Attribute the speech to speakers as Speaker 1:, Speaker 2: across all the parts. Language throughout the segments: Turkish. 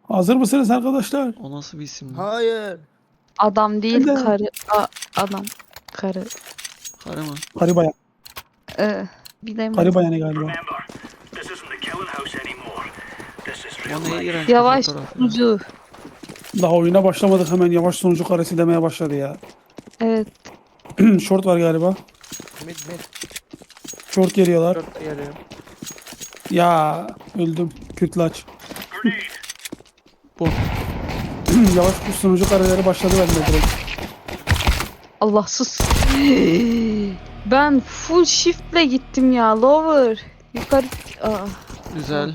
Speaker 1: Hazır mısınız arkadaşlar?
Speaker 2: O nasıl bir isim lan?
Speaker 3: Hayır.
Speaker 4: Adam değil
Speaker 1: Neden?
Speaker 4: karı. Adam. Karı.
Speaker 2: Karı mı?
Speaker 1: Karı bayan.
Speaker 4: Bilemedim.
Speaker 1: Karı bayanı galiba.
Speaker 2: O ne iğrenç bir
Speaker 4: Yavaş
Speaker 2: fotoğraf ya.
Speaker 4: sunucu.
Speaker 1: Daha oyuna başlamadık hemen yavaş sonucu karesi demeye başladı ya.
Speaker 4: Evet.
Speaker 1: Short var galiba.
Speaker 3: Mid.
Speaker 1: Short geliyorlar.
Speaker 3: Dörtte geliyor.
Speaker 1: Ya öldüm. Kütlaç.
Speaker 2: Bu.
Speaker 1: Yavaş kuş sonucu kareleri başladı bende direkt.
Speaker 4: Allah sus. Ben full shiftle gittim ya. Lower. Yukarı.
Speaker 2: Güzel.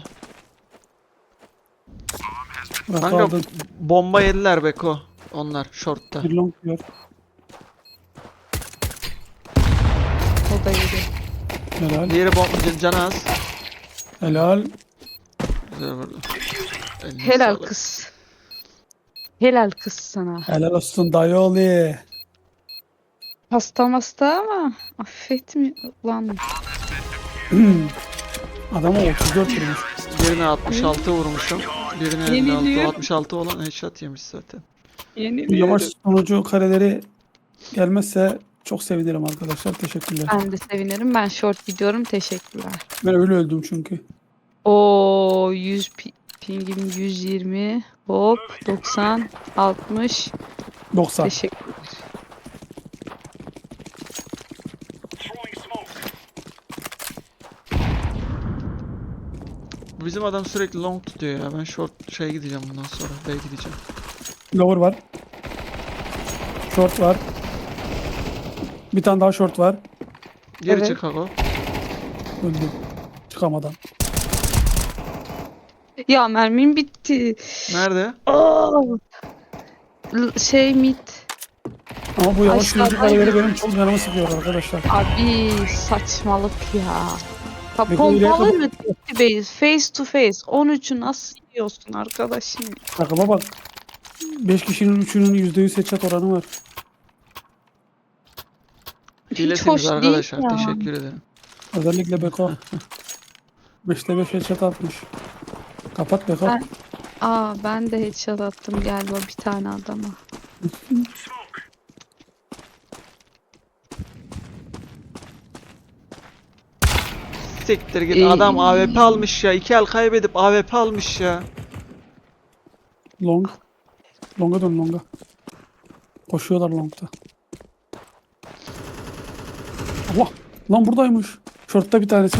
Speaker 1: Bırak
Speaker 2: Kanka
Speaker 1: aldın.
Speaker 2: bomba yediler Beko. Onlar shortta.
Speaker 1: Bir long diyor.
Speaker 4: O da yedi.
Speaker 1: Helal.
Speaker 2: Diğeri bomba canı az.
Speaker 1: Helal.
Speaker 2: Güzel vurdu. Eline
Speaker 4: Helal
Speaker 2: sağlık.
Speaker 4: kız. Helal kız sana.
Speaker 1: Helal olsun dayı oğlu.
Speaker 4: Hasta ama affetmiyor lan.
Speaker 1: Adama 34 vurmuş.
Speaker 2: Birine 66 vurmuşum. Birine
Speaker 4: Yemin
Speaker 2: 56.
Speaker 4: ediyorum.
Speaker 2: 66 olan headshot yemiş zaten.
Speaker 1: Bu yavaş sonucu kareleri gelmezse çok sevinirim arkadaşlar. Teşekkürler.
Speaker 4: Ben de sevinirim. Ben short gidiyorum. Teşekkürler.
Speaker 1: Ben öyle öldüm çünkü.
Speaker 4: O 100 pingim 120. Hop 90 60.
Speaker 1: 90.
Speaker 4: Teşekkürler.
Speaker 2: Bizim adam sürekli long tutuyor ya. Ben short şeye gideceğim bundan sonra. B'ye gideceğim.
Speaker 1: Lower var. Short var. Bir tane daha short var.
Speaker 2: Geri
Speaker 4: Evet.
Speaker 2: çık Ako.
Speaker 1: Öldüm. Çıkamadan.
Speaker 4: Ya mermim bitti.
Speaker 2: Nerede?
Speaker 4: Şey mid.
Speaker 1: Ama bu yavaş
Speaker 4: Aşağıdan
Speaker 1: sonucu kareleri benim çok canımı sıkıyor arkadaşlar.
Speaker 4: Abi saçmalık ya. Ha,
Speaker 1: Bir de ileri
Speaker 4: pompalı
Speaker 1: kadar-
Speaker 4: mı? Base, face to face. 13'ü nasıl yiyorsun arkadaşım?
Speaker 1: Takıma bak. 5 kişinin 3'ünün %100 headshot oranı var.
Speaker 4: Hiç
Speaker 2: Hilesiniz
Speaker 4: hoş değil
Speaker 2: arkadaşlar.
Speaker 4: ya.
Speaker 2: Teşekkür ederim.
Speaker 1: Özellikle Beko. 5'te 5 headshot atmış. Kapat Beko.
Speaker 4: Ben de headshot attım galiba bir tane adama.
Speaker 2: Siktir git. Adam AWP almış ya. 2 el kaybedip AWP almış ya.
Speaker 1: Long. Longa dön longa. Koşuyorlar longta. Allah. Lan buradaymış. Short'ta bir tanesi.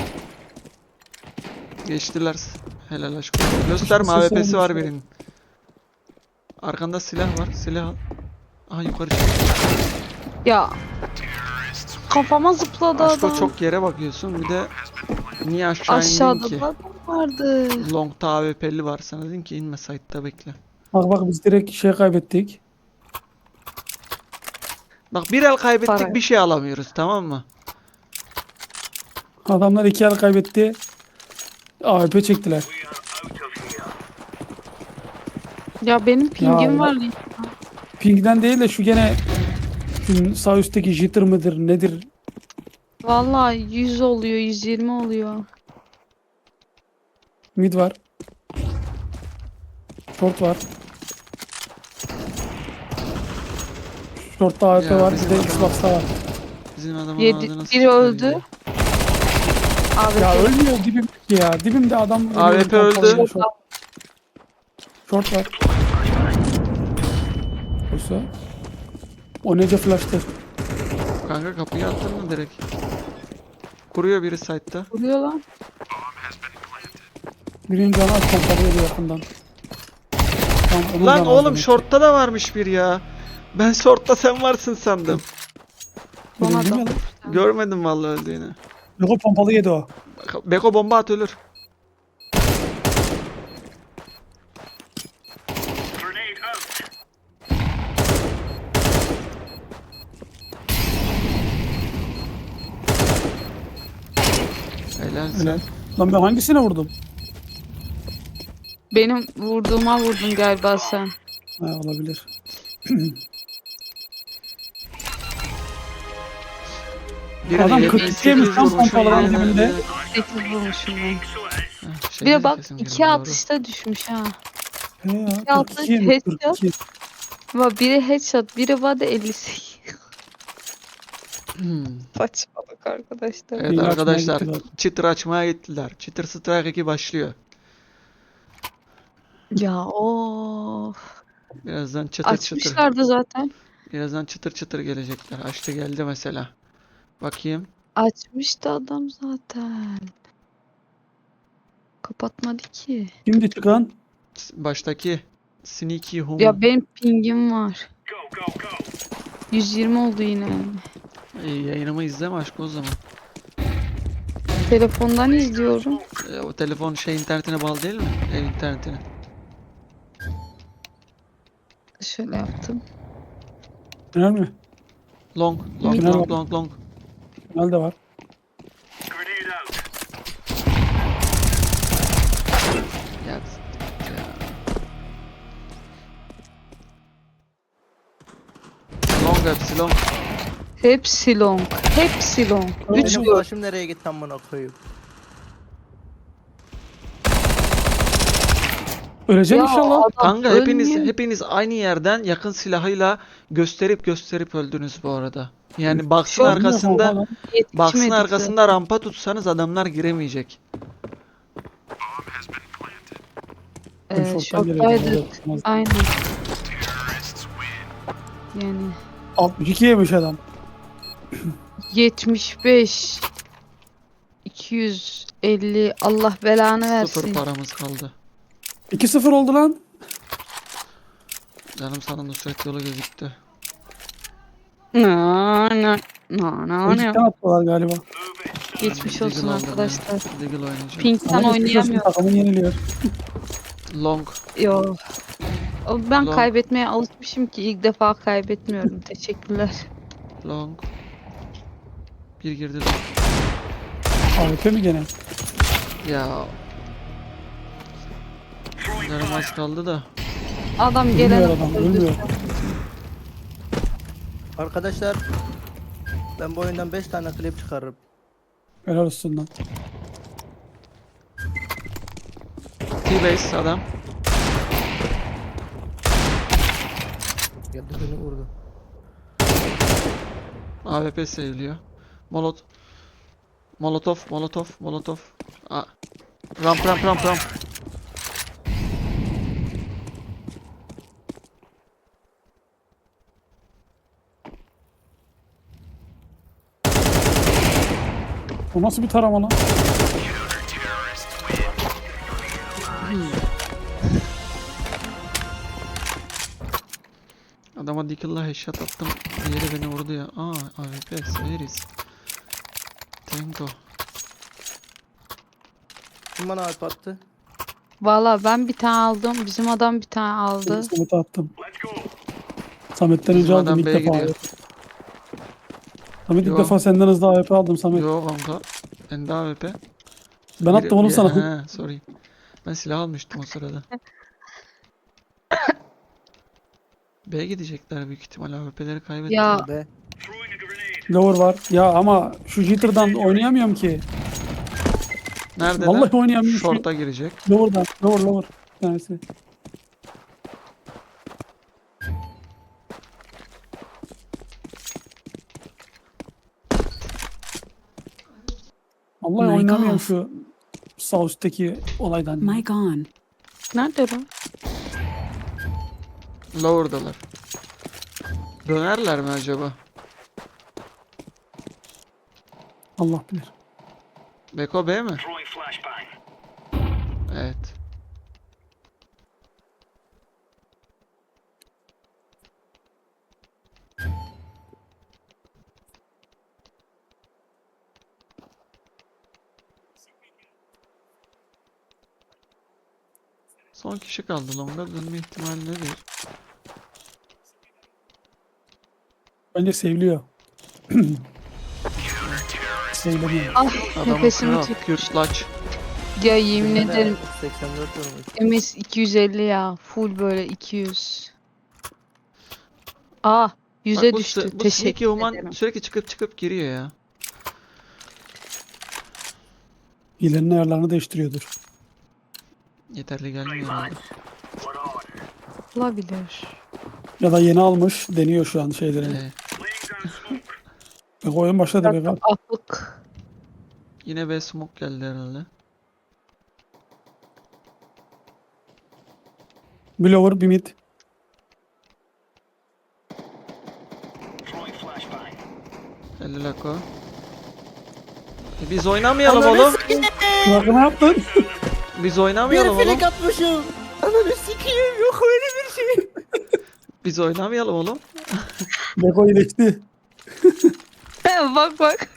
Speaker 2: Geçtiler. Helal aşkım. Gösterme
Speaker 1: Sesi
Speaker 2: AWP'si var
Speaker 1: olmuş.
Speaker 2: birinin. Arkanda silah var. Silah al. Aha yukarı çık.
Speaker 4: Ya kafama zıpladı
Speaker 2: Aşko
Speaker 4: adam.
Speaker 2: çok yere bakıyorsun. Bir de niye aşağı indin
Speaker 4: Aşağıda
Speaker 2: ki?
Speaker 4: da adam vardı.
Speaker 2: Long'ta AWP'li var. Sana dedim ki inme site'da bekle.
Speaker 1: Bak biz direkt şey kaybettik.
Speaker 2: Bak bir el kaybettik
Speaker 4: Para.
Speaker 2: bir şey alamıyoruz tamam mı?
Speaker 1: Adamlar 2 el kaybetti. AWP çektiler.
Speaker 4: Ya benim pingim
Speaker 1: Ya.
Speaker 4: var.
Speaker 1: Ping'den değil de şu gene şu sağ üstteki jitter mıdır nedir?
Speaker 4: Vallahi 100 oluyor, 120 oluyor.
Speaker 1: Mid var. Short var. Short'ta AWP
Speaker 2: Ya
Speaker 1: var.
Speaker 2: bizim
Speaker 1: Bir de
Speaker 2: adam-
Speaker 1: Xbox'ta var.
Speaker 2: Bizim adamın
Speaker 4: Biri
Speaker 2: ağzına sıçtılar
Speaker 4: öldü.
Speaker 2: ya.
Speaker 4: Abi
Speaker 1: Ya ölmüyor dibimdeki ya. Dibimde adam.
Speaker 2: AWP öldü.
Speaker 1: Short var. Oysa. O nece flash'tı.
Speaker 2: Kanka kapıyı attın mı direkt? Kuruyor biri site'da.
Speaker 4: vuruyor lan.
Speaker 1: Birinin canı az pompalıyordu yakından. Tamam, onun
Speaker 2: Lan
Speaker 1: canı az
Speaker 2: oğlum
Speaker 1: demek ki.
Speaker 2: short'ta da varmış bir ya. Ben short'ta sen varsın sandım.
Speaker 4: Son
Speaker 1: Öyle değil mi
Speaker 4: adam.
Speaker 1: lan?
Speaker 2: Görmedim vallahi öldüğünü.
Speaker 1: Yok o pompalı yedi o.
Speaker 2: Beko bomba at ölür. Helal sen.
Speaker 1: Öyle. Lan ben hangisine vurdum?
Speaker 4: Benim vurduğuma vurdun galiba sen.
Speaker 1: Ha, olabilir.
Speaker 2: Birine
Speaker 1: Adam
Speaker 2: 78
Speaker 1: 42 yemiş lan
Speaker 2: vurmuşum,
Speaker 1: pompaların
Speaker 2: birine-
Speaker 1: dibinde.
Speaker 4: 8 vurmuşum ben.
Speaker 2: Heh,
Speaker 4: Bir de
Speaker 2: şeyde
Speaker 4: bak
Speaker 2: kesin
Speaker 4: 2
Speaker 2: girdi, doğru.
Speaker 4: atışta düşmüş ha.
Speaker 1: He ya,
Speaker 4: Altı
Speaker 1: 42 yemiş,
Speaker 4: headshot.
Speaker 1: 42.
Speaker 4: Ama biri headshot, biri body 58.
Speaker 2: Hmm.
Speaker 4: Saçmalık arkadaşlar.
Speaker 2: Evet
Speaker 1: Yeni açmaya
Speaker 2: arkadaşlar,
Speaker 1: gittiler.
Speaker 2: çıtır açmaya gittiler. Çıtır Strike 2 başlıyor.
Speaker 4: Ya of.
Speaker 2: Birazdan çıtır çıtır.
Speaker 4: Açmışlardı zaten.
Speaker 2: Birazdan çıtır çıtır gelecekler. Açtı geldi mesela. Bakayım.
Speaker 4: Açmıştı adam zaten. Kapatmadı ki.
Speaker 1: Şimdi çıkan
Speaker 2: Baştaki Sneaky Human.
Speaker 4: Ya benim pingim var. 120 oldu yine.
Speaker 2: Yayınımı izleme aşk o zaman.
Speaker 4: Telefondan izliyorum.
Speaker 2: O telefon internetine bağlı değil mi? Ev internetine.
Speaker 4: Şöyle yaptım.
Speaker 1: tünel mi?
Speaker 2: Long, long,
Speaker 1: Tünel
Speaker 2: long,
Speaker 1: var.
Speaker 2: long, long.
Speaker 1: Tünel de var.
Speaker 2: Ya, ya. Long hepsi long.
Speaker 4: Hepsi long. Hepsi long. 3
Speaker 3: Benim
Speaker 4: gol.
Speaker 3: başım nereye gitti amına koyayım?
Speaker 1: Öleceğim
Speaker 4: Ya
Speaker 1: inşallah.
Speaker 4: adam
Speaker 2: Kanka
Speaker 4: ölmüyor.
Speaker 2: hepiniz aynı yerden yakın silahıyla gösterip öldünüz bu arada. Yani baksın
Speaker 4: Çok
Speaker 2: arkasında baksın
Speaker 4: Yetişmedik
Speaker 2: arkasında rampa tutsanız adamlar giremeyecek.
Speaker 4: zaten.
Speaker 1: Şorttan geliyor.
Speaker 4: Şoktaydık. Aynen. Yani
Speaker 1: 62 yemiş adam.
Speaker 4: 75 250 Allah belanı
Speaker 2: Sıfır
Speaker 4: versin.
Speaker 2: paramız kaldı.
Speaker 1: 2-0 oldu lan.
Speaker 2: Canım sana Nusret yolu gözüktü.
Speaker 4: Na na na na na.
Speaker 1: Öncükten attılar galiba.
Speaker 4: Geçmiş
Speaker 2: Deagle
Speaker 4: olsun
Speaker 2: aldım ya.
Speaker 4: arkadaşlar.
Speaker 2: Deagle oynayacağım.
Speaker 4: Pink'ten
Speaker 1: Ama geçmiş olsun,
Speaker 4: oynayamıyorum.
Speaker 1: takımın yeniliyor.
Speaker 2: Long.
Speaker 4: Yo. Ben
Speaker 2: Long.
Speaker 4: kaybetmeye alışmışım ki ilk defa kaybetmiyorum. Teşekkürler.
Speaker 2: Long. Bir girdi de.
Speaker 1: AWP mi gene?
Speaker 2: Ya. Canım az kaldı da.
Speaker 4: Adam
Speaker 1: Ölmüyor
Speaker 4: gelen
Speaker 1: adam, ölmüyor.
Speaker 3: Arkadaşlar ben bu oyundan 5 tane klip çıkarırım.
Speaker 1: Helal olsun lan.
Speaker 2: T-base adam.
Speaker 3: Geldi beni vurdu.
Speaker 2: AWP seviliyor. Molotov. Ramp.
Speaker 1: O nasıl bir tarama lan?
Speaker 2: Adama Deagle'la headshot attım. Diğeri beni vurdu ya. AWP severiz. Tango.
Speaker 3: Kim bana alp attı?
Speaker 4: Valla ben bir tane aldım. Bizim adam bir tane aldı.
Speaker 1: Samet'e attım. Samet'ten
Speaker 2: Bizim
Speaker 1: önce aldım
Speaker 2: adam
Speaker 1: ilk
Speaker 2: B'ye
Speaker 1: defa.
Speaker 2: gidiyor.
Speaker 1: Samet
Speaker 2: Yo.
Speaker 1: ilk defa senden hızlı AWP aldım Samet.
Speaker 2: Yo kanka. Bende AWP.
Speaker 1: Ben attım oğlum sana.
Speaker 2: He, sorry. Ben silah almıştım o sırada. B'ye gidecekler büyük ihtimal AWP'leri kaybettiler.
Speaker 4: Ya
Speaker 3: Be.
Speaker 1: Lower var. Ya ama şu jitter'dan oynayamıyorum ki.
Speaker 2: Nerede
Speaker 1: Vallahi oynayamıyorum.
Speaker 2: Short'a girecek.
Speaker 1: Lower'dan. Lower. Bir tanesi. Vallahi
Speaker 5: My
Speaker 1: oynamıyorum
Speaker 5: God.
Speaker 1: şu sağ üstteki olaydan.
Speaker 5: My gone.
Speaker 4: nerede lan?
Speaker 2: Lower'dalar. Dönerler mi acaba?
Speaker 1: Allah bilir.
Speaker 2: Beko B mi? Evet. Son kişi kaldı. Long'a dönme ihtimali nedir?
Speaker 1: Bence seviliyor. Seviliyor.
Speaker 4: Ah
Speaker 2: Adamın
Speaker 4: nefesimi
Speaker 2: kral.
Speaker 4: tut.
Speaker 2: Kürslaç.
Speaker 4: Ya yemin
Speaker 3: Bende
Speaker 4: ederim
Speaker 3: 84 vurmuş.
Speaker 4: MS 250 ya. Full böyle 200. Aa
Speaker 2: Bak
Speaker 4: 100'e
Speaker 2: bu,
Speaker 4: düştü.
Speaker 2: bu Sneaky
Speaker 4: Teşekkür
Speaker 2: Human
Speaker 4: ederim.
Speaker 2: sürekli çıkıp giriyor ya.
Speaker 1: Hilenin ayarlarını değiştiriyordur.
Speaker 2: Yeterli gelmiyor herhalde.
Speaker 4: Olabilir.
Speaker 1: Ya da yeni almış. Deniyor şu an şeyleri.
Speaker 2: Ee,
Speaker 1: Bak oyun başladı be. Bak.
Speaker 4: Afık.
Speaker 2: yine B smoke geldi herhalde.
Speaker 1: Bir lower bir mid.
Speaker 2: Geldi Lako. Biz oynamayalım
Speaker 3: Ananı
Speaker 2: oğlum.
Speaker 1: Bak ne yaptın?
Speaker 2: Biz
Speaker 3: Bir
Speaker 2: oynamayalım oğlum.
Speaker 3: flik atmışım. Ananı sikeyim, yok öyle bir şey.
Speaker 2: Biz oynamayalım oğlum.
Speaker 1: Beko iyileşti.
Speaker 4: Bak bak.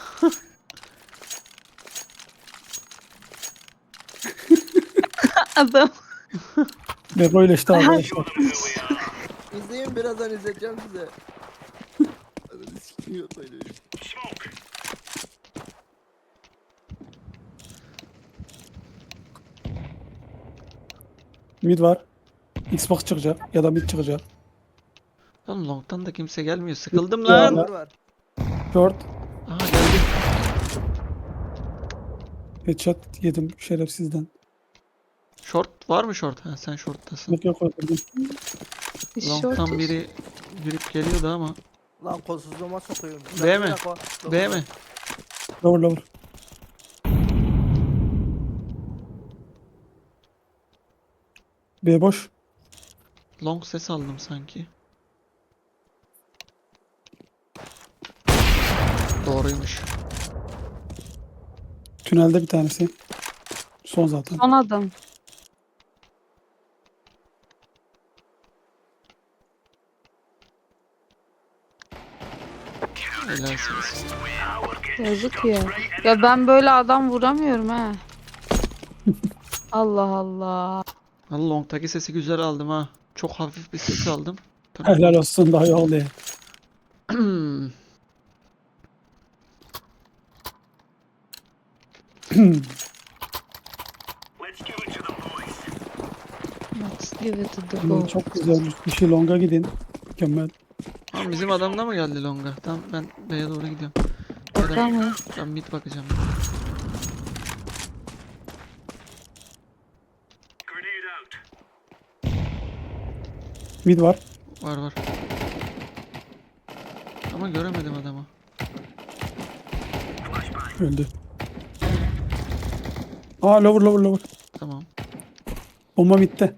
Speaker 4: Adam.
Speaker 1: Beko iyileşti arkadaşlar.
Speaker 3: İzleyin, birazdan izleteceğim size. Ananı sikeyim, yok öyle bir şey.
Speaker 1: Mid var. Xbox çıkacak ya da mid çıkacak.
Speaker 2: Oğlum long'tan da kimse gelmiyor. Sıkıldım
Speaker 1: Ya.
Speaker 2: lan.
Speaker 3: Var.
Speaker 1: Short.
Speaker 2: Aha geldi.
Speaker 1: Headshot yedim şerefsizden.
Speaker 2: Short var mı short? Ha sen short'tasın.
Speaker 1: Yok öldürdüm.
Speaker 2: Long'tan biri girip geliyordu ama.
Speaker 3: Lan kolsuzluğuma sokuyorum.
Speaker 2: B mi? B mi?
Speaker 1: Lower lower. B boş.
Speaker 2: Long ses aldım sanki. Doğruymuş.
Speaker 1: Tünelde bir tanesi. Son zaten.
Speaker 4: Son adam.
Speaker 2: Helalsiniz.
Speaker 4: Yazık ya. Ya ben böyle adam vuramıyorum ha. Allah Allah.
Speaker 2: Valla long'taki sesi güzel aldım ha. Çok hafif bir ses aldım. Tabii.
Speaker 1: Helal olsun daha iyi oldu ya.
Speaker 4: Let's give it to the
Speaker 1: Hmm,
Speaker 4: go.
Speaker 1: çok güzel. Bir şey longa gidin. Mükemmel.
Speaker 2: Tamam bizim adam da mı geldi long'a? Tamam ben B'ye doğru gidiyorum.
Speaker 4: Tamam.
Speaker 2: Ben mid bakacağım.
Speaker 1: Mid var.
Speaker 2: Var var. Ama göremedim adamı.
Speaker 1: Öldü. Aa lower lower lower.
Speaker 2: Tamam.
Speaker 1: Bomba midde.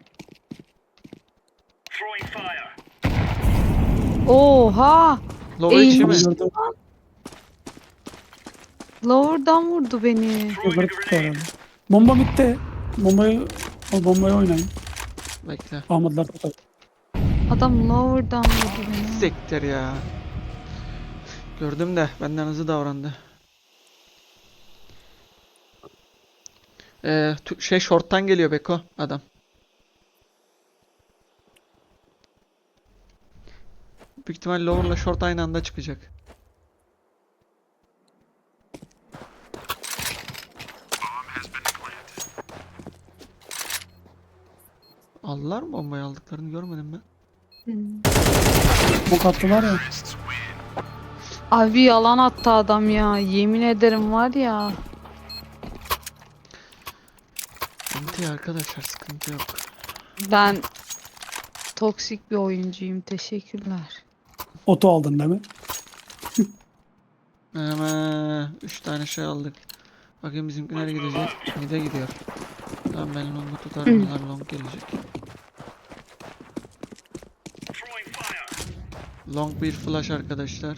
Speaker 4: Oha!
Speaker 2: Lower içi mi?
Speaker 1: Gördüm.
Speaker 4: Lower'dan vurdu beni.
Speaker 1: Yukarı tuttu herhalde. Bomba midde. Bombayı oynayın.
Speaker 2: Bekle.
Speaker 1: Ahmetler tutar.
Speaker 4: Adam lower'dan vurdu beni.
Speaker 2: Sektir ya. Gördüm de benden hızlı davrandı. Short'tan geliyor Beko adam. Büyük ihtimal lower'la short aynı anda çıkacak. Aldılar mı bombayı, aldıklarını görmedim ben.
Speaker 1: Bok attılar ya.
Speaker 4: Abi yalan attı adam ya. Yemin ederim var ya.
Speaker 2: Sıkıntı ya arkadaşlar, sıkıntı yok.
Speaker 4: Ben toksik bir oyuncuyum. Teşekkürler.
Speaker 1: Oto aldın değil mi?
Speaker 2: Hemen 3 tane şey aldık. Bakayım bizimki nereye gidecek? Mid'e gidiyor. Tamam ben long'u tutarım. Onlar long gelecek. Long bir flash arkadaşlar.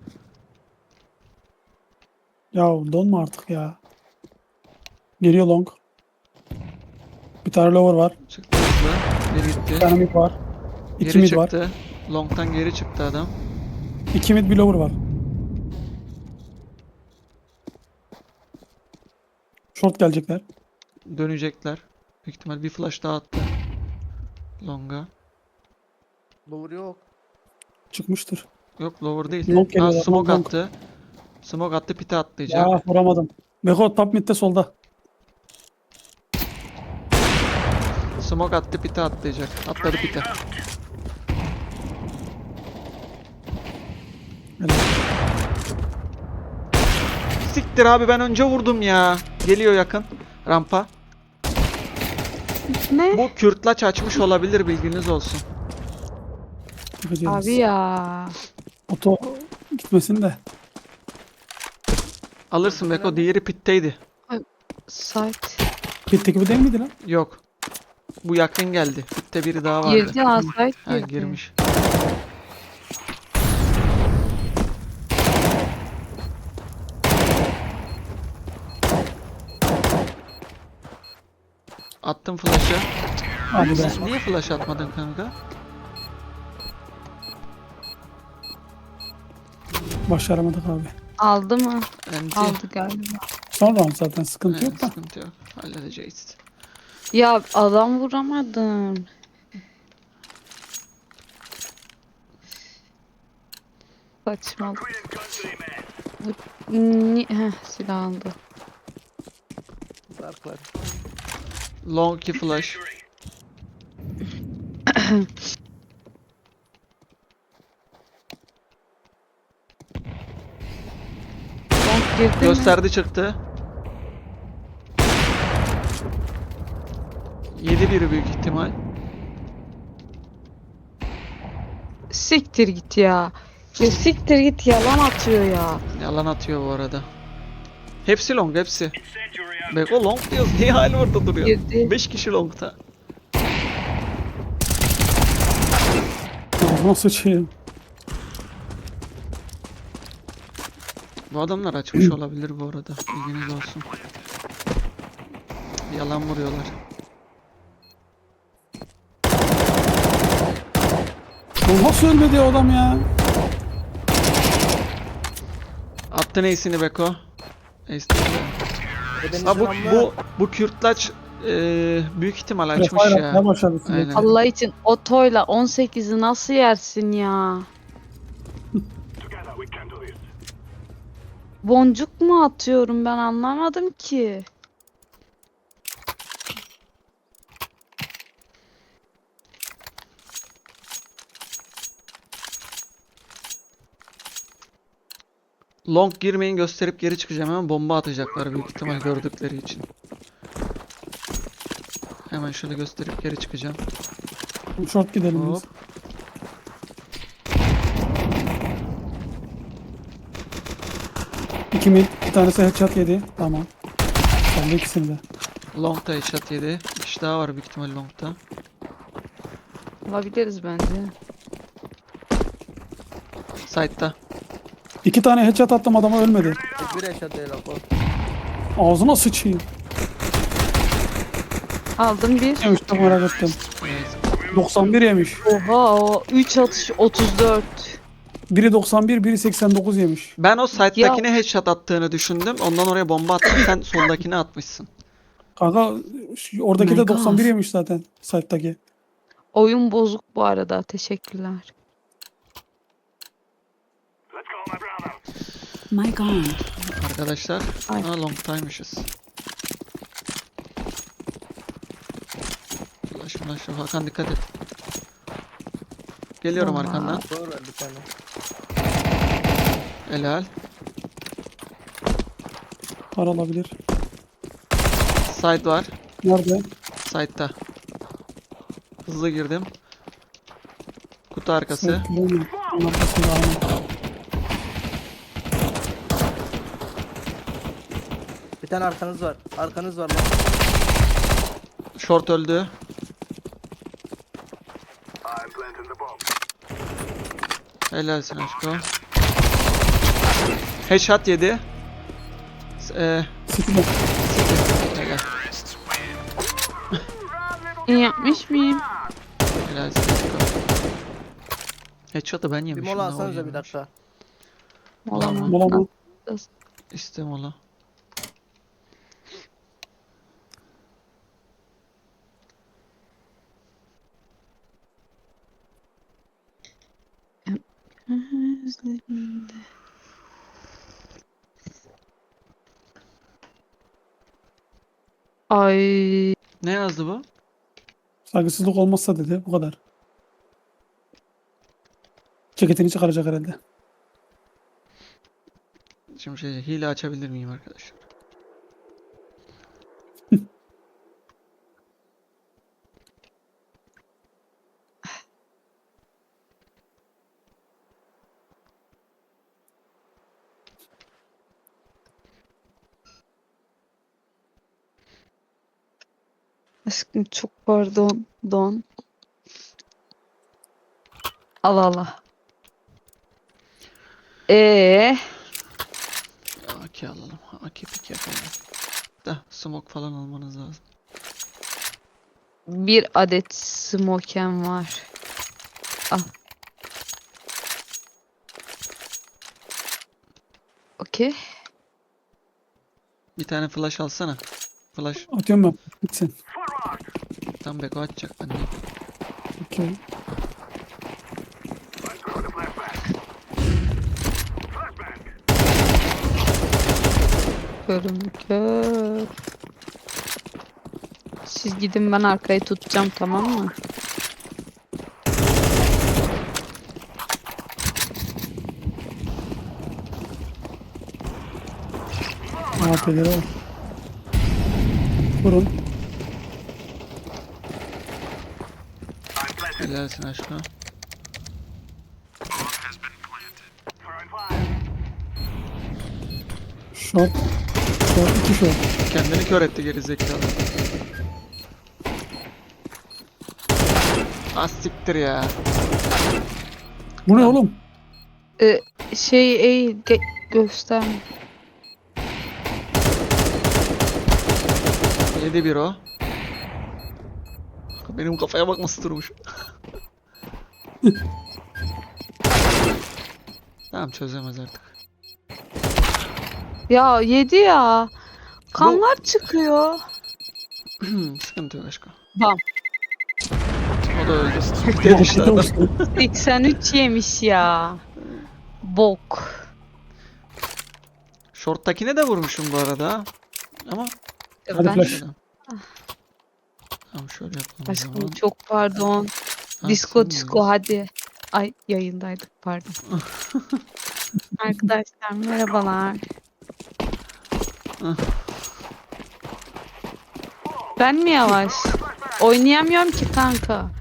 Speaker 1: Ya donma artık ya. Geliyor long. Bir tane lower var.
Speaker 2: Çıktı hızlı. Biri
Speaker 1: Bir
Speaker 2: gitti.
Speaker 1: tane mid var. İki
Speaker 2: Geri
Speaker 1: mid var.
Speaker 2: çıktı. Long'tan geri çıktı adam.
Speaker 1: 2 mid bir lower var. Short gelecekler.
Speaker 2: Dönecekler. Büyük ihtimal bir flash daha attı. Long'a.
Speaker 3: Lower yok.
Speaker 1: Çıkmıştır.
Speaker 2: Yok lower değil.
Speaker 1: Long
Speaker 2: Ha,
Speaker 1: geliyorlar,
Speaker 2: smoke
Speaker 1: long.
Speaker 2: attı. Smoke attı, pite atlayacak.
Speaker 1: Ya vuramadım. Beko top midde solda.
Speaker 2: Smoke attı, pite atlayacak. Atladı pite.
Speaker 1: Helal.
Speaker 2: Siktir abi, ben önce vurdum ya. Geliyor yakın. Rampa.
Speaker 4: Ne?
Speaker 2: Bu kürtlaç açmış olabilir, bilginiz olsun.
Speaker 1: Bakacağız.
Speaker 4: Abi ya.
Speaker 1: Oto gitmesin de.
Speaker 2: Alırsın
Speaker 3: Öbürü
Speaker 2: Beko,
Speaker 3: nerede?
Speaker 2: diğeri pitteydi.
Speaker 4: Site.
Speaker 1: Bitti gibi değil miydi lan?
Speaker 2: Yok. Bu yakın geldi. Pitte biri daha vardı.
Speaker 4: Girdi ha, site
Speaker 2: Ha,
Speaker 4: girdi.
Speaker 2: girmiş. Attım flash'ı.
Speaker 1: Hadi be.
Speaker 2: Sen niye flash atmadın kanka?
Speaker 1: Başaramadık abi.
Speaker 4: Aldı mı?
Speaker 2: Enti.
Speaker 4: Aldı galiba.
Speaker 1: Son round zaten sıkıntı yok da.
Speaker 2: Sıkıntı yok. Halledeceğiz.
Speaker 4: Ya adam vuramadım. Saçmalık. Bu silah aldı.
Speaker 3: Dark var.
Speaker 2: Long key flash.
Speaker 4: Long girdi mi?
Speaker 2: Gösterdi, çıktı. 7-1 büyük ihtimal.
Speaker 4: Siktir git ya. Ya siktir git, yalan atıyor ya.
Speaker 2: Yalan atıyor bu arada. Hepsi long, hepsi. Beko long diyoruz. Niye hala orada duruyor?
Speaker 4: Girdi.
Speaker 2: 5 kişi longta.
Speaker 1: Ağzıma sıçayım.
Speaker 2: Bu adamlar açmış olabilir bu arada. Bilginiz olsun. Yalan vuruyorlar.
Speaker 1: Bu nasıl ölmedi o adam ya?
Speaker 2: Attın ace'ini Beko. Ace değil de.
Speaker 3: Ebenin
Speaker 2: Ha,
Speaker 3: selamı.
Speaker 2: bu kürtlaç büyük ihtimal açmış
Speaker 1: Refire
Speaker 2: ya.
Speaker 1: atmaya başladı.
Speaker 2: Aynen.
Speaker 4: Allah için otoyla 18'i nasıl yersin ya? Boncuk mu atıyorum, ben anlamadım ki.
Speaker 2: Long girmeyin, gösterip geri çıkacağım, hemen bomba atacaklar büyük ihtimal gördükleri için. Hemen şöyle gösterip geri çıkacağım.
Speaker 1: Short gidelim biz.
Speaker 2: Hop.
Speaker 1: İki mid. Bir tanesi headshot yedi. Tamam. Ben de ikisini de.
Speaker 2: Long'da headshot yedi. Bir kişi daha var büyük ihtimal long'da.
Speaker 4: Olabiliriz bence.
Speaker 2: Side'da.
Speaker 1: İki tane headshot attım, adama ölmedi.
Speaker 3: Bir eşat değil o.
Speaker 1: Ağzına sıçayım.
Speaker 4: Aldım bir.
Speaker 1: Yemiş çok merak ettim.
Speaker 2: Evet.
Speaker 1: 91 yemiş.
Speaker 4: Oha, o 3 atış 34.
Speaker 1: Biri 91, biri 89 yemiş.
Speaker 2: Ben o side'dakine headshot attığını düşündüm. Ondan oraya bomba attım. Sen soldakine atmışsın.
Speaker 1: Kanka oradaki
Speaker 4: My
Speaker 1: de
Speaker 4: God.
Speaker 1: 91 yemiş zaten. Site'daki.
Speaker 4: Oyun bozuk bu arada. Teşekkürler.
Speaker 5: My God.
Speaker 2: Arkadaşlar.
Speaker 4: Ay.
Speaker 2: Ha, long'taymışız. Flash. Hakan dikkat et. Geliyorum
Speaker 4: Vallahi.
Speaker 2: arkandan.
Speaker 3: Doğru bir tane.
Speaker 2: Helal.
Speaker 1: Var olabilir.
Speaker 2: Side var.
Speaker 1: Nerede?
Speaker 2: Side'da. Hızlı girdim. Kutu arkası.
Speaker 1: Site göremiyorum. Onun arkasında aynen.
Speaker 3: Bir tane arkanız var. Arkanız var lan.
Speaker 2: Short öldü. Helalsin aşko. Headshot yedi.
Speaker 1: City'de.
Speaker 2: Helal.
Speaker 4: İyi yapmış mıyım?
Speaker 2: Helalsin aşko. Headshot'ı ben
Speaker 3: Bir
Speaker 2: yemişim.
Speaker 3: mola
Speaker 2: ne
Speaker 3: alsanıza bir
Speaker 2: oynuyormuş.
Speaker 3: dakika.
Speaker 4: Olamaz.
Speaker 1: Mola mı?
Speaker 2: İste mola.
Speaker 4: Üzerinde. Ay,
Speaker 2: Ne yazdı bu?
Speaker 1: Saygısızlık olmazsa dedi. Bu kadar. Ceketini çıkaracak herhalde.
Speaker 2: Şimdi hile açabilir miyim arkadaşlar?
Speaker 4: Aşkım çok pardon. Don. Allah Allah.
Speaker 2: AK alalım. AK pik yapalım. Da smoke falan almanız lazım.
Speaker 4: Bir adet smokem var. Al. Okey.
Speaker 2: Bir tane flash alsana. Flash
Speaker 1: Atıyorum ben. Gitsin.
Speaker 2: tam beko atacak bende.
Speaker 1: Okey.
Speaker 4: Körüm kör. Siz gidin, ben arkayı tutacağım, tamam mı?
Speaker 1: AP'lere var. Vurun.
Speaker 2: Helalsin aşkına.
Speaker 1: Short. Short. 2 short.
Speaker 2: Kendini kör etti geri zekalı. Az siktir ya.
Speaker 1: Bu ne oğlum?
Speaker 4: Gösterme.
Speaker 2: 7-1 o. Benim kafaya bak nasıl durmuş. Tamam çözemez artık.
Speaker 4: Ya yedi ya. Kanlar çıkıyor.
Speaker 2: Sıkıntı yok aşkım.
Speaker 4: Bam.
Speaker 2: O da öldü. Demişler adam.
Speaker 4: 83 yemiş ya. Bok.
Speaker 2: Short'takine de vurmuşum bu arada ha. Ama
Speaker 1: Hadi
Speaker 4: Ben-
Speaker 1: flash.
Speaker 2: tamam şöyle yapalım o
Speaker 4: Aşkım
Speaker 2: zaman.
Speaker 4: çok pardon.
Speaker 2: Ha,
Speaker 4: Disco
Speaker 2: sen
Speaker 4: disco hadi. Ay yayındaydık, pardon. Arkadaşlar merhabalar.
Speaker 2: Ah.
Speaker 4: Ben mi yavaş? Oynayamıyorum ki kanka.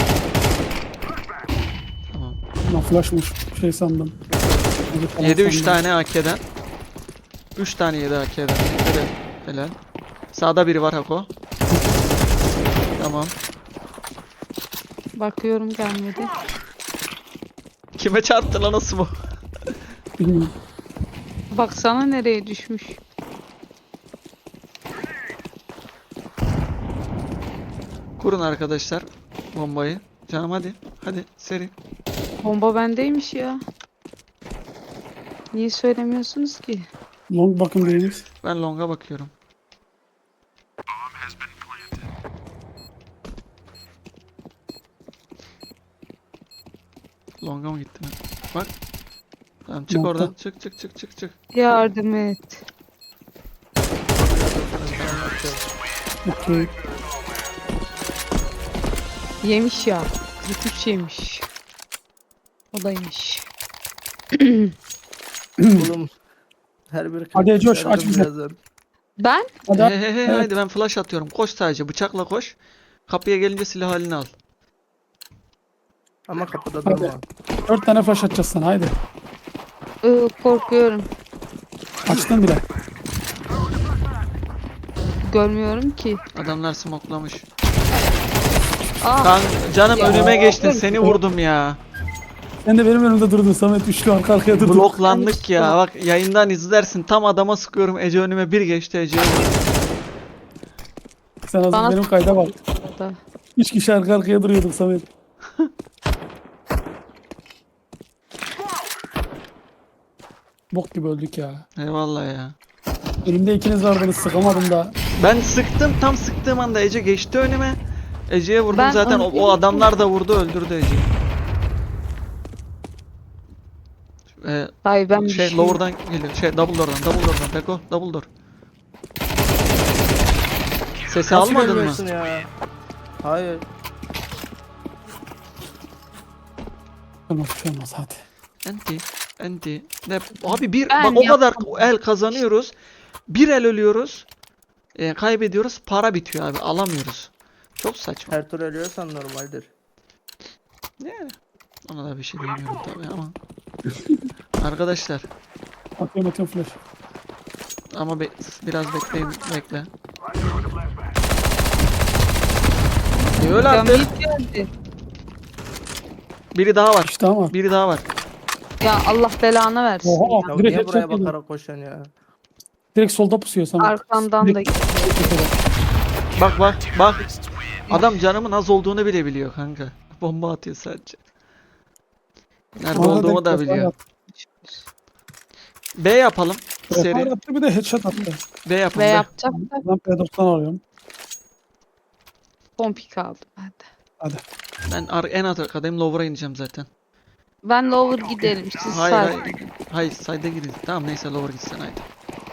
Speaker 2: Tamam.
Speaker 1: Lan flashmış. Şey sandım.
Speaker 2: Yedi 3 tane AK'den. 3 tane yedi AK'den. Helal. Helal. Sağda biri var Hako. Tamam.
Speaker 4: Bakıyorum, gelmedi.
Speaker 2: Kime çarptı lan nasıl bu?
Speaker 1: Bilmiyorum.
Speaker 4: Baksana nereye düşmüş.
Speaker 2: Kurun arkadaşlar bombayı. Canım hadi. Hadi seri.
Speaker 4: Bomba bendeymiş ya. Niye söylemiyorsunuz ki?
Speaker 1: Long bakın biriniz.
Speaker 2: Ben long'a bakıyorum. Long'a mı gittin? Bak. Tamam çık
Speaker 1: Long'da.
Speaker 2: oradan. Çık çık çık çık çık.
Speaker 4: Yardım et.
Speaker 1: Okey.
Speaker 4: Yemiş ya. 43 yemiş. O da yemiş.
Speaker 3: Oğlum. Her bir
Speaker 1: Hadi Coş,
Speaker 3: kırk
Speaker 1: aç bize.
Speaker 3: birazdan.
Speaker 4: Ben
Speaker 1: Hadi.
Speaker 2: He,
Speaker 1: Evet.
Speaker 2: Haydi ben flash atıyorum. Koş sadece bıçakla koş. Kapıya gelince silah halini al.
Speaker 3: Ama kapıda
Speaker 1: Hadi.
Speaker 3: durma.
Speaker 1: 4 tane flash atacağız sana haydi.
Speaker 4: korkuyorum.
Speaker 1: Açtın bile.
Speaker 4: Görmüyorum ki.
Speaker 2: Adamlar smoklamış.
Speaker 4: Aa,
Speaker 2: Kan canım
Speaker 4: Ya.
Speaker 2: önüme geçtin. Seni vurdum ya.
Speaker 1: Sen de benim önümde durdun Samet. Üçlü arka arkaya durdun.
Speaker 2: Bloklandık ya. Bak yayından izlersin. Tam adama sıkıyorum. Ece önüme bir geçti. Ece'ye vurdum.
Speaker 1: Sen az
Speaker 4: Bana-
Speaker 1: benim kayda bak.
Speaker 4: da.
Speaker 1: 3 kişi arka arkaya duruyorduk Samet. Bok gibi öldük ya.
Speaker 2: Eyvallah ya.
Speaker 1: Elimde ikiniz vardınız, sıkamadım da.
Speaker 2: Ben sıktım. Tam sıktığım anda Ece geçti önüme. Ece'ye vurdum
Speaker 4: Ben
Speaker 2: zaten.
Speaker 4: onu
Speaker 2: O adamlar da vurdu. Öldürdü Ece'yi.
Speaker 4: Hayır ben bir
Speaker 2: Şey
Speaker 4: şey.
Speaker 2: lower'dan geliyor. Double door'dan. Beko double door. Sesi
Speaker 3: Nasıl
Speaker 2: almadın mı?
Speaker 3: görmüyorsun ya? Hayır.
Speaker 1: Olmaz bir şey olmaz hadi.
Speaker 2: Enti. Ne? Abi bir
Speaker 4: Ben
Speaker 2: bak o kadar
Speaker 4: yapmadım.
Speaker 2: el kazanıyoruz. Bir el ölüyoruz. Kaybediyoruz. Para bitiyor abi. Alamıyoruz. Çok saçma.
Speaker 3: Her tur ölüyorsan normaldir.
Speaker 2: Yani ona da bir şey diyemiyorum tabii ama. Arkadaşlar
Speaker 1: Atıyorum flash.
Speaker 2: ama biraz bekleyin bekle. Öyle
Speaker 4: Ya
Speaker 2: artık.
Speaker 4: mid geldi.
Speaker 2: Biri daha var.
Speaker 1: İşte ama.
Speaker 2: Biri daha var.
Speaker 4: Ya Allah belanı versin
Speaker 1: Oha.
Speaker 4: ya.
Speaker 3: Ya
Speaker 1: Direkt
Speaker 3: niye buraya
Speaker 1: headshot yedim.
Speaker 3: bakarak koşan ya?
Speaker 1: Direkt solda pusuyor sana.
Speaker 4: Arkamdan da
Speaker 2: Bak bak bak. Adam canımın az olduğunu bile biliyor kanka. Bomba atıyor sadece. Nerede
Speaker 1: Bana
Speaker 2: olduğumu
Speaker 1: denk
Speaker 2: da
Speaker 1: defa
Speaker 2: biliyor.
Speaker 1: yaptı.
Speaker 2: B yapalım.
Speaker 1: Defa
Speaker 2: Seri.
Speaker 1: yaptı, bir de headshot attı.
Speaker 2: B yapalım.
Speaker 4: ve
Speaker 2: B.
Speaker 4: yapacak da
Speaker 1: Ben P90 alıyorum.
Speaker 4: pompik aldım ben de.
Speaker 1: Hadi.
Speaker 2: Ben en arkadayım. Lower'a ineceğim zaten.
Speaker 4: Ben lower gidelim siz
Speaker 2: Hayır
Speaker 4: sağ.
Speaker 2: hayır. Hayır side'e gidin. Tamam neyse lower gitsen haydi.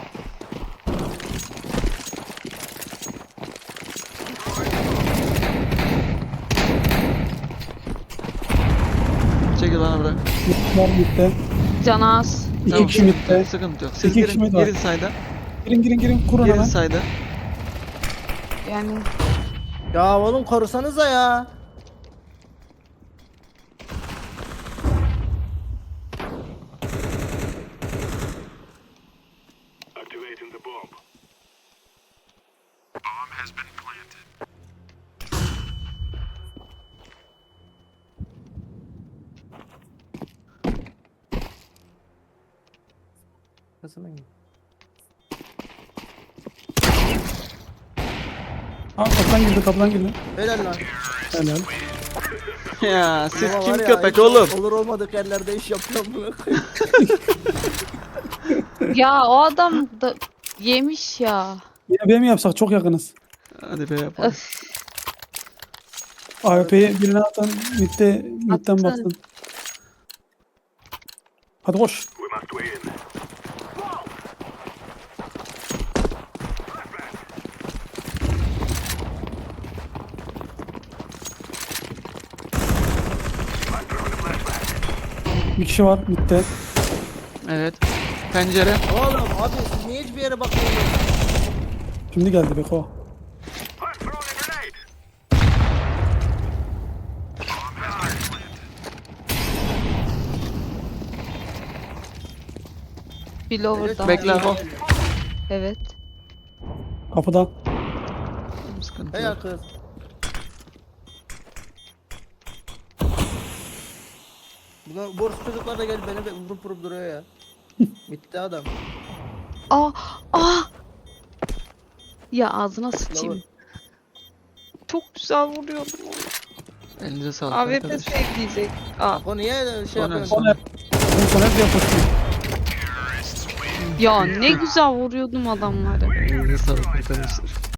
Speaker 2: Çekil bana bırak.
Speaker 1: Var midde.
Speaker 4: Can az.
Speaker 1: İki
Speaker 2: Tamam,
Speaker 1: kişi midde.
Speaker 2: sıkıntı yok. Siz
Speaker 1: İki kişi
Speaker 2: girin,
Speaker 1: mid var.
Speaker 2: girin side'a.
Speaker 1: Girin kurun
Speaker 2: Girin
Speaker 1: hemen.
Speaker 2: side'a.
Speaker 4: Yani
Speaker 3: Ya oğlum korusanıza ya. Kasına git.
Speaker 1: Ha, kapıdan girdi.
Speaker 3: Helal lan.
Speaker 1: Helal.
Speaker 2: Ya siz
Speaker 3: Baba
Speaker 2: kim
Speaker 3: var ya,
Speaker 2: köpek
Speaker 3: hiç
Speaker 2: oğlum?
Speaker 3: Olur olmadık yerlerde iş yapıyorum bunu.
Speaker 4: ya o adam da yemiş ya.
Speaker 1: Yine B mi yapsak? Çok yakınız.
Speaker 2: Hadi be yapalım.
Speaker 4: Öf.
Speaker 1: AWP'yi birine atan midden
Speaker 4: Attı.
Speaker 1: baksın. Hadi koş. Bir kişi var midde.
Speaker 2: Evet. Pencere.
Speaker 3: Oğlum abi siz niye hiçbir yere bakmıyorsunuz?
Speaker 1: Şimdi geldi Beko.
Speaker 4: Bir lower daha.
Speaker 2: Bekle o.
Speaker 4: Evet.
Speaker 1: Kapıda.
Speaker 2: Sıkıntı
Speaker 3: Helal
Speaker 2: yok.
Speaker 3: kız. Buna borç çocuklar da gelip beni vurup duruyor ya. Bitti adam.
Speaker 4: Aa. Ya ağzına sıçayım.
Speaker 3: Lower.
Speaker 4: Çok güzel vuruyordum onu.
Speaker 2: Elinize sağlık
Speaker 4: AWP
Speaker 2: arkadaşlar.
Speaker 4: sevdiyecek. Aa.
Speaker 3: O niye şey
Speaker 2: O ne?
Speaker 3: yapıyorsun?
Speaker 1: Sonra sonra hep yapıştı.
Speaker 4: Ya ne güzel vuruyordum adamları.
Speaker 2: Elinize sağlık arkadaşlar.